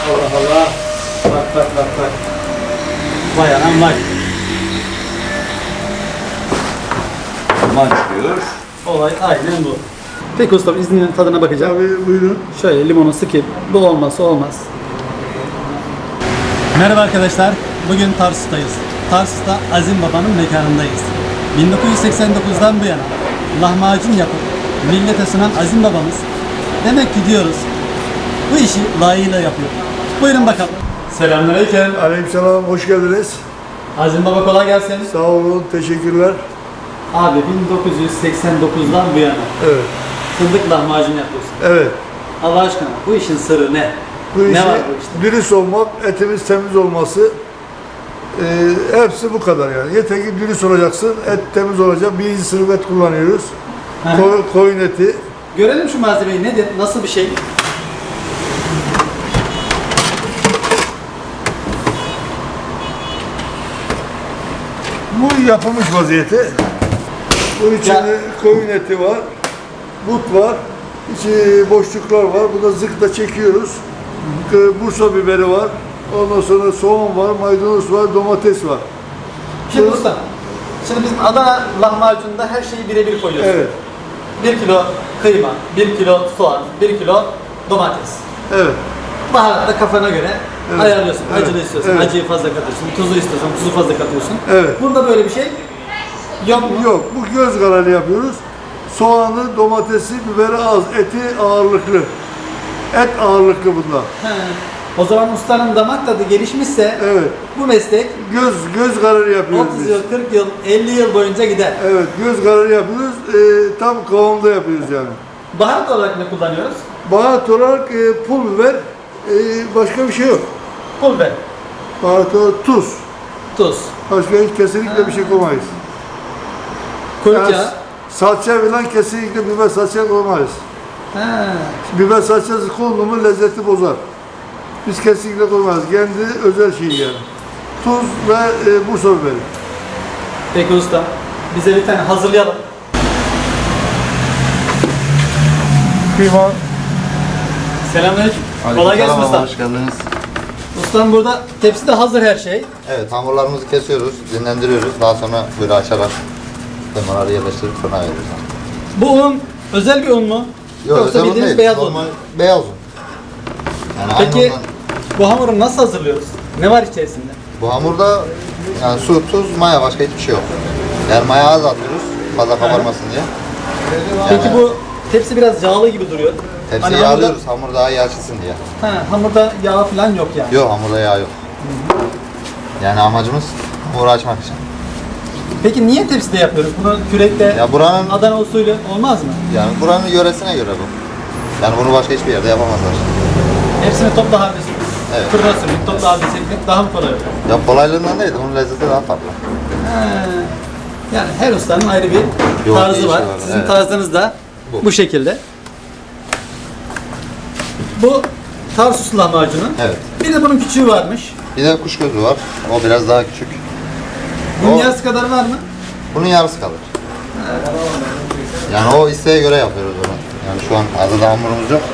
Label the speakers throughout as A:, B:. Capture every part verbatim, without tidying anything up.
A: Allah Allah. Bak bak bak bak. Vay anam vay.
B: Duman çıkıyor.
A: Olay aynen bu. Peki ustam izninizle tadına bakacağım.
C: Abi buyurun.
A: Şöyle limonu sıkayım. Bu olmazsa olmaz. Merhaba arkadaşlar. Bugün Tarsus'tayız. Tarsus'ta Azim Baba'nın mekanındayız. bin dokuz yüz seksen dokuzdan bu yana lahmacun yapıp millete sunan Azim Babamız demek ki diyoruz bu işi layığıyla yapıyor. Buyurun bakalım. Selamünaleyküm.
C: Aleykümselam, hoş geldiniz.
A: Azim Baba kolay gelsin.
C: Sağ olun, teşekkürler.
A: Abi bin dokuz yüz seksen dokuzdan bu yana
C: Evet,
A: fındık lahmacun yapıyorsun.
C: evet.
A: Allah aşkına bu işin sırrı ne?
C: Bu
A: ne
C: işi
A: var bu işte?
C: dürüst olmak, etimiz temiz olması, e, hepsi bu kadar yani. Yeter ki dürüst olacaksın, et temiz olacak. Birinci sınıf et kullanıyoruz. Ko koyun eti.
A: Görelim şu malzemeyi nedir? Nasıl bir şey?
C: Bu yapılmış vaziyeti. Bu içinde
A: Ya.
C: koyun eti var, but var, içi boşluklar var. Burada zıkla çekiyoruz. Bursa biberi var. Ondan sonra soğan var, maydanoz var, domates var.
A: Şimdi usta, şimdi bizim Adana lahmacununda her şeyi birebir koyuyoruz.
C: Evet,
A: bir kilo kıyma, bir kilo soğan, bir kilo domates.
C: evet.
A: Baharat da kafana göre
C: Evet.
A: ayarlıyorsun.
C: Evet.
A: Acılı istiyorsan
C: Evet.
A: acıyı fazla katıyorsun, tuzu istiyorsan tuzu fazla katıyorsun.
C: Evet.
A: Bunda böyle bir şey yok mu?
C: Yok, bu göz kararı yapıyoruz. Soğanı, domatesi, biberi az, eti ağırlıklı. Et ağırlıklı bunda.
A: He. O zaman ustanın damak tadı gelişmişse
C: Evet.
A: bu meslek
C: Göz göz kararı yapıyoruz
A: otuz
C: biz.
A: yıl, kırk yıl, elli yıl boyunca gider.
C: Evet, göz kararı yapıyoruz. Ee, tam kıvamda yapıyoruz yani.
A: Baharat olarak ne kullanıyoruz?
C: Baharat olarak e, pul biber, e, başka bir şey yok.
A: Pul biber,
C: Baharat olarak tuz.
A: tuz,
C: Başka hiç kesinlikle bir şey koymayız.
A: kuyruk
C: Yani
A: yağı.
C: salça falan kesinlikle biber salça koymayız.
A: He.
C: Biber salçası kondu mu lezzeti bozar. Biz kesinlikle koymayız. Kendi özel şey yani. Tuz ve e, Bursa biberi.
A: Peki usta, bize bir tane hazırlayalım.
C: Kıyma.
A: Selamünaleyküm. Kolay gelsin usta.
B: Hoş geldiniz.
A: Ustam burada tepside hazır her şey.
B: Evet, hamurlarımızı kesiyoruz, dinlendiriyoruz. Daha sonra böyle açarak kıymaları yerleştirip fırına veriyoruz.
A: Bu un özel bir un mu?
B: Yok,
A: Yoksa
B: özel un
A: bildiğiniz
B: değil,
A: beyaz
B: normal
A: un.
B: beyaz un. Yani
A: Peki
B: aynı ondan-
A: bu hamuru nasıl hazırlıyoruz? Ne var içerisinde?
B: bu hamurda yani su, tuz, maya, başka hiçbir şey yok. Yani maya az atıyoruz, fazla kabarmasın diye.
A: Peki bu tepsi biraz yağlı gibi duruyor.
B: Tepsiyi
A: Hani hamurda-
B: yağlıyoruz, hamur daha iyi açılsın diye.
A: Ha, hamurda yağ falan yok yani.
B: Yok, hamurda yağ yok. Yani amacımız hamuru açmak için.
A: Peki niye tepside yapıyoruz? Bunu kürekte
B: Ya buranın
A: Adana usulü olmaz mı?
B: yani buranın yöresine göre bu. Yani bunu başka hiçbir yerde yapamazlar.
A: Hepsini topla halde
B: Evet.
A: fırına sürmek, topla halde çekmek daha mı kolay olur?
B: Ya kolaylığından değil, bunun lezzeti daha farklı.
A: Ha, yani her ustanın ayrı bir
B: Yok,
A: tarzı
B: değişiyor
A: var.
B: var,
A: Sizin
B: evet.
A: tarzınız da bu.
B: Bu.
A: şekilde. Bu Tarsus lahmacunu.
B: Evet.
A: Bir de bunun küçüğü varmış.
B: Bir de kuş gözü var. O biraz daha küçük.
A: Bunun
B: O-
A: yarısı kadar var mı?
B: Bunun yarısı kalır. Yani o isteğe göre yapıyoruz onu. Yani şu an hazırda hamurumuz yok.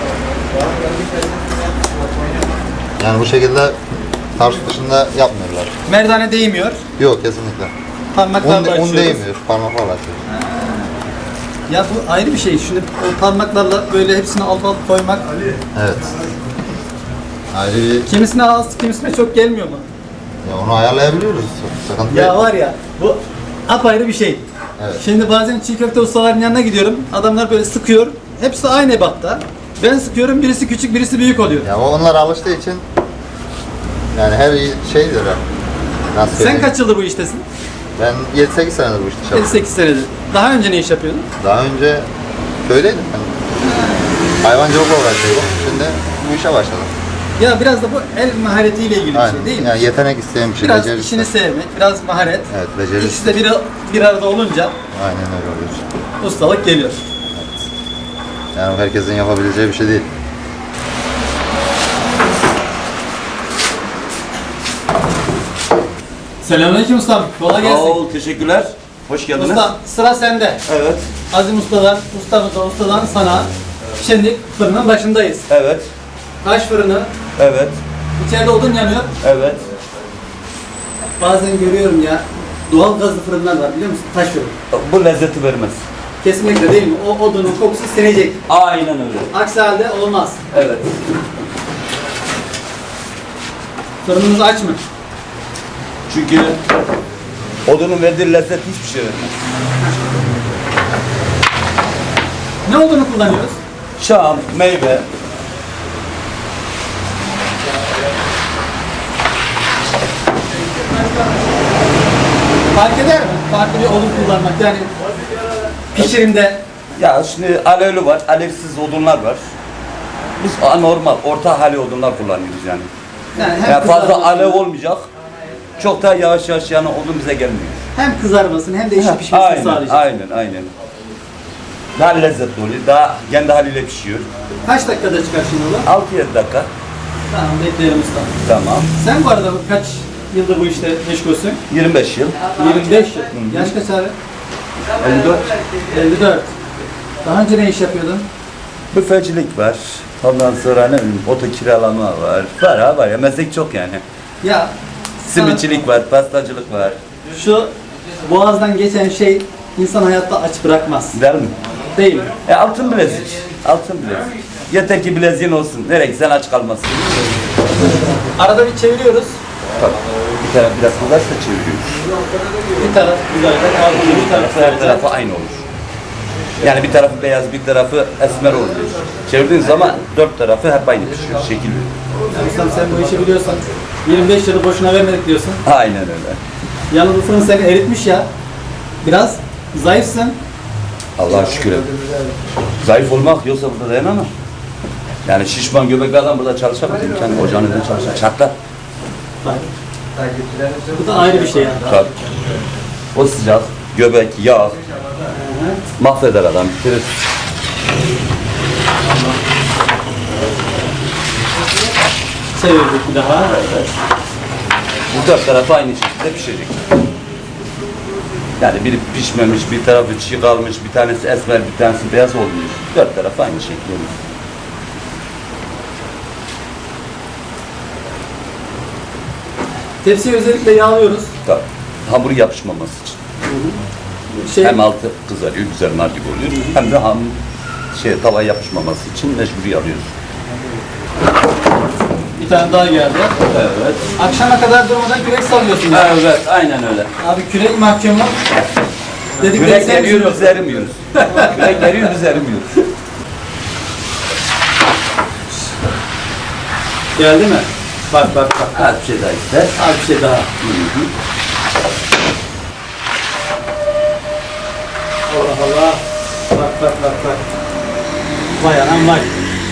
B: Yani bu şekilde Tarsus dışında yapmıyorlar.
A: Merdane değmiyor.
B: Yok, kesinlikle.
A: Parmaklarla
B: Un, un
A: açıyoruz.
B: değmiyor, parmaklarla açıyoruz.
A: Ya bu ayrı bir şey. Şimdi o parmaklarla böyle hepsini alt alt koymak.
B: Evet. Ayrı bir,
A: Kimisine az, kimisine çok gelmiyor mu?
B: ya onu ayarlayabiliyoruz. Sıkıntı
A: Ya
B: değil.
A: var ya bu apayrı bir şey.
B: Evet.
A: Şimdi bazen çiğ köfte ustalarının yanına gidiyorum. Adamlar böyle sıkıyor. Hepsi aynı ebatta. Ben sıkıyorum, birisi küçük, birisi büyük oluyor.
B: Ya o onlar alıştığı için yani her şeydir ya. Nasıl
A: Sen
B: söyleyeyim?
A: kaç yıldır bu iştesin?
B: Ben yedi sekiz senedir bu işte
A: yedi
B: çalışıyorum.
A: sekiz senedir. Daha önce ne iş yapıyordun?
B: Daha önce köydeydim ben. Hayvancılıkla uğraşıyordum. Şimdi bu işe başladım.
A: Ya biraz da bu el maharetiyle ilgili bir
B: Aynen.
A: şey değil mi?
B: Yani yetenek isteyen bir şey.
A: Biraz
B: beceri
A: işini
B: isteyen.
A: sevmek, biraz maharet.
B: Evet, beceri
A: İkisi de bir, bir arada olunca
B: Aynen öyle oluyor.
A: ustalık geliyor.
B: Yani herkesin yapabileceği bir şey değil.
A: Selamünaleyküm ustam. Kolay
D: Sağ
A: gelsin.
D: ol, teşekkürler. Hoş geldiniz.
A: Usta sıra sende.
D: Evet,
A: Azim ustadan, ustamızdan, ustadan sana. Şimdi fırının başındayız.
D: evet.
A: taş fırını.
D: Evet.
A: İçeride odun yanıyor.
D: Evet.
A: Bazen görüyorum ya, doğal gazlı fırınlar var biliyor musun? Taş fırın.
D: Bu lezzeti vermez.
A: Kesinlikle değil mi? O odunun kokusu sinecek.
D: Aynen öyle.
A: Aksi halde olmaz.
D: Evet.
A: Fırınımız aç mı?
D: Çünkü odunun verdiği lezzet hiçbir şey vermez.
A: Ne odunu kullanıyoruz?
D: Şam, meyve.
A: Fark eder mi? Farklı bir odun kullanmak yani pişirimde.
D: Ya şimdi alevli var, alevsiz odunlar var. Biz anormal, orta hali odunlar kullanıyoruz yani.
A: Yani hem
D: Yani fazla
A: kızarmasın,
D: alev olmayacak. Çok da yavaş yavaş yani odun bize gelmiyor.
A: hem kızarmasın hem de işi pişmesini
D: Aynen,
A: sağlayacak.
D: aynen, aynen. Daha lezzetli oluyor, daha kendi haliyle pişiyor.
A: Kaç dakikada çıkar şimdi bu?
D: altı yedi dakika.
A: Tamam, bekleyelim usta.
D: Tamam.
A: Sen bu arada kaç yıldır bu işte meşgulsün?
D: yirmi beş yıl.
A: yirmi beş yıl. Yaş kaç abi?
D: elli dört.
A: elli dört. Daha önce ne iş yapıyordun?
D: Büfecilik var. Ondan sonra ne bileyim, oto kiralama var. Var ha var ya, meslek çok yani.
A: Ya
D: Simitçilik var, pastacılık var.
A: şu boğazdan geçen şey insan hayatta aç bırakmaz.
D: Değil mi?
A: Değil mi?
D: E altın bilezik. Altın bilezik. Yeter ki bileziğin olsun. Nereye gitsen aç kalmasın.
A: Arada bir çeviriyoruz.
D: Tabii. Bir taraf biraz kızarsa çeviriyoruz.
A: Bir taraf güzelden kalkıyor, bir taraf
D: Her
A: sadece.
D: tarafı aynı olur. Yani bir tarafı beyaz, bir tarafı esmer oluyor. Çevirdiğin zaman dört tarafı hep aynı pişiyor, şekil veriyor.
A: Yani ustam sen bu işi biliyorsan yirmi beş yılı boşuna vermedik diyorsun.
D: Aynen öyle.
A: Yalnız bu fırın seni eritmiş ya. Biraz zayıfsın.
D: Allah'a şükür. Zayıf olmak yoksa burada dayanamam. Yani şişman göbekli adam burada çalışamaz. Kendi ocağın önünde çalışır. Çatlar.
A: Bak. Bu da ayrı bir şey yani.
D: Tabii. O sıcak, göbek, yağ mahveder adam, bitirir.
A: Çevirdik bir daha.
D: Bu dört tarafı aynı şekilde pişecek. Yani biri pişmemiş, bir tarafı çiğ kalmış, bir tanesi esmer, bir tanesi beyaz olmuş. Dört tarafı aynı şekilde olur.
A: Tepsiyi özellikle yağlıyoruz.
D: Tabii. Hamur yapışmaması için.
A: Şey,
D: Hem altı kızarıyor, güzel nar gibi oluyor. Hem de ham şey tava yapışmaması için mecburi alıyoruz.
A: bir tane daha geldi.
D: Evet.
A: Akşama kadar durmadan kürek sallıyorsun. ya.
D: Evet, aynen öyle.
A: Abi kürek mahkumu. Dedik
D: Kürek
A: sen
D: eriyor,
A: misin?
D: biz erimiyoruz. Kürek eriyor, biz erimiyoruz.
A: Geldi mi? Bak bak bak.
D: Az bir şey daha ister.
A: Abi bir şey daha. Allah Allah. Bak bak bak bak. Vay anam vay.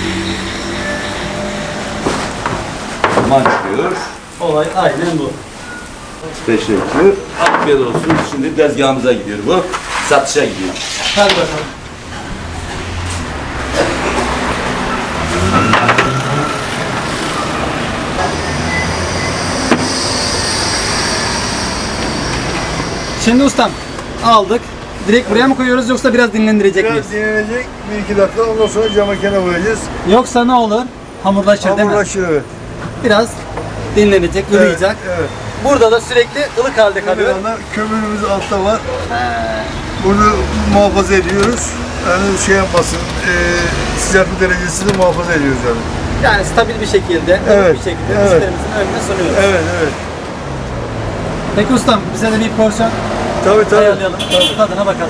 D: Duman çıkıyor.
A: Olay aynen bu.
D: Teşekkür. Afiyet olsun. Şimdi tezgahımıza gidiyor bu. Satışa gidiyor.
A: Hadi bakalım. Şimdi ustam aldık. Direkt buraya mı koyuyoruz yoksa biraz dinlendirecek miyiz?
C: Biraz dinlenecek bir iki dakika, ondan sonra cam makine koyacağız.
A: Yoksa ne olur? Hamurlaşır değil mi?
C: Hamurlaşır, evet.
A: Biraz dinlenecek, ılıyacak.
C: Evet, evet.
A: Burada da sürekli ılık halde kalıyor.
C: Kalıyor. Kömürümüz altta var. Bunu muhafaza ediyoruz. Yani şey yapmasın, e, sıcaklık derecesini muhafaza ediyoruz yani.
A: Yani stabil bir şekilde, ılık
C: Evet,
A: bir şekilde
C: evet.
A: müşterimizin önüne sunuyoruz.
C: Evet, evet.
A: Peki ustam bize de bir porsiyon
C: Tabii tabii.
A: ayarlayalım. Tadına bakalım.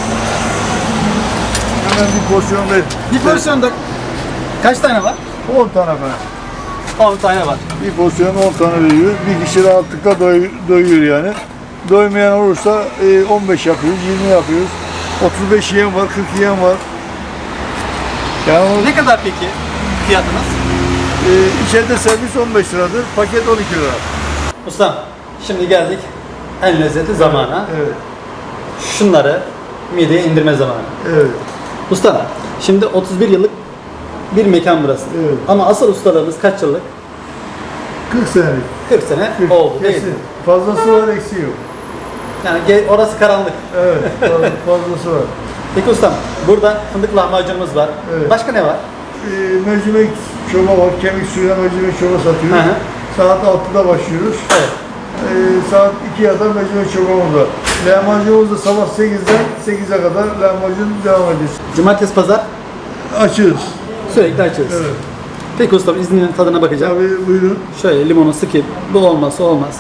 C: Hemen bir porsiyon ver.
A: Bir porsiyonda kaç tane var?
C: on tane falan.
A: on tane var.
C: Bir porsiyon on tane veriyoruz. Bir kişi rahatlıkla doy, doyuyor yani. Doymayan olursa e, on beş yapıyoruz, yirmi yapıyoruz. otuz beş yiyen var, kırk yiyen var. Yani o,
A: Ne kadar peki fiyatınız?
C: e, içeride servis on beş liradır, paket on iki lira.
A: Ustam şimdi geldik en lezzetli zamana.
C: Evet,
A: Şunları mideye indirme zamanı.
C: evet.
A: Usta şimdi otuz bir yıllık bir mekan burası.
C: Evet.
A: Ama asıl ustalığımız kaç yıllık?
C: kırk senelik.
A: kırk sene
C: kırk,
A: oldu değil
C: kesin.
A: mi?
C: Fazlası var, eksiği yok.
A: Yani ge- orası karanlık.
C: Evet, fazla- fazlası var.
A: Peki ustam burada fındık lahmacunumuz var.
C: Evet.
A: Başka ne var?
C: e, mercimek çorba var. Kemik suyuna mercimek çorba satıyoruz.
A: Hı hı.
C: Saat altıda başlıyoruz.
A: Evet.
C: E, saat ikiye kadar mercimek çorbamız var. Lahmacunumuz da sabah sekizden sekize kadar lahmacun devam ediyor.
A: Cumartesi, pazar
C: Açığız.
A: sürekli açıyoruz.
C: Evet.
A: Peki ustam izninle tadına bakacağım.
C: Tabii buyurun.
A: Şöyle limonu sıkayım. Bu olmazsa olmaz.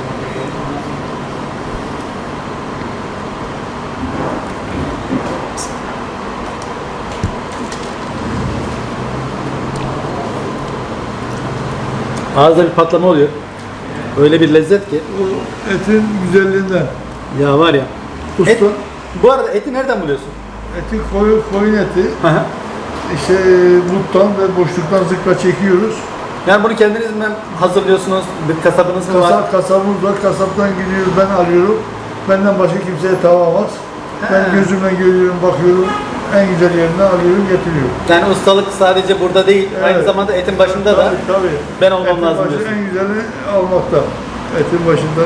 A: Ağızda bir patlama oluyor. Öyle bir lezzet ki.
C: Bu etin güzelliğinden.
A: Ya var ya.
C: Usta,
A: Et, bu arada eti nereden buluyorsun?
C: eti koyun, koyun eti.
A: Hı hı.
C: İşte buttan ve boşluktan zıkla çekiyoruz.
A: Yani bunu kendiniz mi hazırlıyorsunuz? Bir kasabınız mı var?
C: Kasap, kasabımız var. Kasaptan gidiyoruz. Ben alıyorum. Benden başka kimseye tavamaz. Ben
A: He.
C: gözümle görüyorum, bakıyorum. En güzel yerinden alıyorum, getiriyorum.
A: Yani ustalık sadece burada değil, aynı
C: Evet.
A: zamanda etin başında da
C: Tabii tabii.
A: ben olmam
C: Etin
A: lazım
C: başı
A: diyorsun.
C: en güzeli almakta. Etin başında.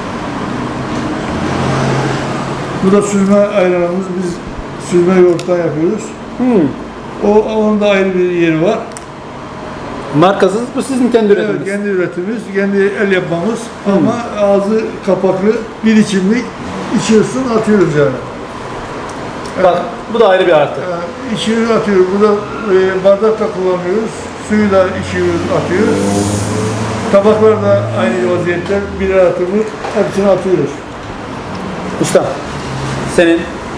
C: Bu da süzme ayranımız. Biz süzme yoğurttan yapıyoruz.
A: Hmm.
C: O, onun da ayrı bir yeri var.
A: Markasız, bu sizin kendi üretiminiz.
C: Evet, kendi üretimimiz, kendi el yapmamız ama ağzı kapaklı bir içimlik içiyorsun, atıyoruz yani.
A: Bak, bu da ayrı bir artı.
C: Ee, içiyoruz, atıyoruz. Burada e, bardak da kullanıyoruz, suyu da içiyoruz, atıyoruz. Tabaklar da aynı vaziyette, birer atımı hepsini atıyoruz.
A: Usta, senin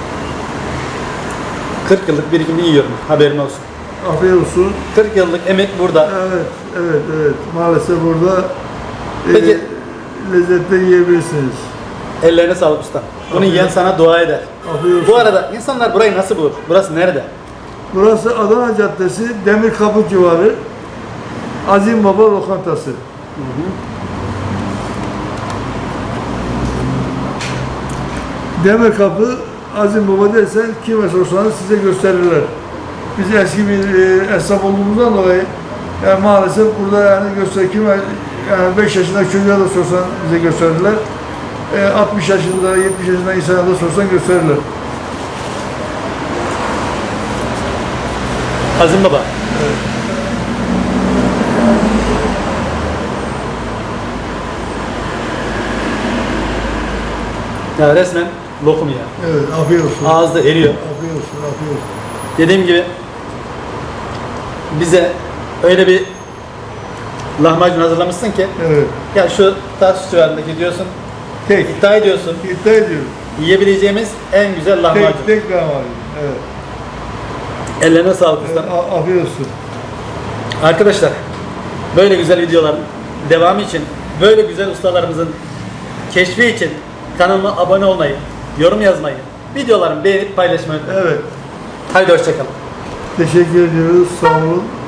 A: kırk yıllık birikimini yiyorum, haberin olsun.
C: Afiyet olsun.
A: kırk yıllık emek burada.
C: Evet, evet, evet. Maalesef burada e,
A: Peki.
C: lezzetle yiyebilirsiniz.
A: Ellerine sağlık usta. Bunu
C: Afiyet
A: yiyen
C: olsun.
A: sana dua eder.
C: Afiyet olsun.
A: Bu arada insanlar burayı nasıl bulur? Burası nerede?
C: Burası Adana Caddesi, Demirkapı civarı, Azim Baba Lokantası. Demirkapı, Azim Baba dersen kime sorsanız size gösterirler. Biz eski bir e, esnaf olduğumuzdan dolayı yani maalesef burada yani göster kime yani beş yaşındaki çocuğa da sorsan bize gösterirler. E, altmış yaşında, yetmiş yaşında insana da sorsan gösterirler.
A: Azim Baba. Ya resmen lokum ya.
C: Evet, afiyet olsun.
A: Ağızda eriyor.
C: Afiyet olsun, afiyet olsun.
A: Dediğim gibi bize öyle bir lahmacun hazırlamışsın ki
C: Evet.
A: ya şu Tarsus civarındaki diyorsun,
C: Tek.
A: iddia ediyorsun,
C: İddia ediyorum.
A: yiyebileceğimiz en güzel lahmacun.
C: Tek, tek lahmacun. Evet.
A: Ellerine sağlık
C: Evet,
A: usta.
C: a- afiyet olsun.
A: Arkadaşlar böyle güzel videoların devamı için, böyle güzel ustalarımızın keşfi için kanalıma abone olmayı, yorum yazmayı, videolarımı beğenip paylaşmayı unutmayın.
C: Evet.
A: Haydi hoşçakalın.
C: Teşekkür ediyoruz. Sağ olun.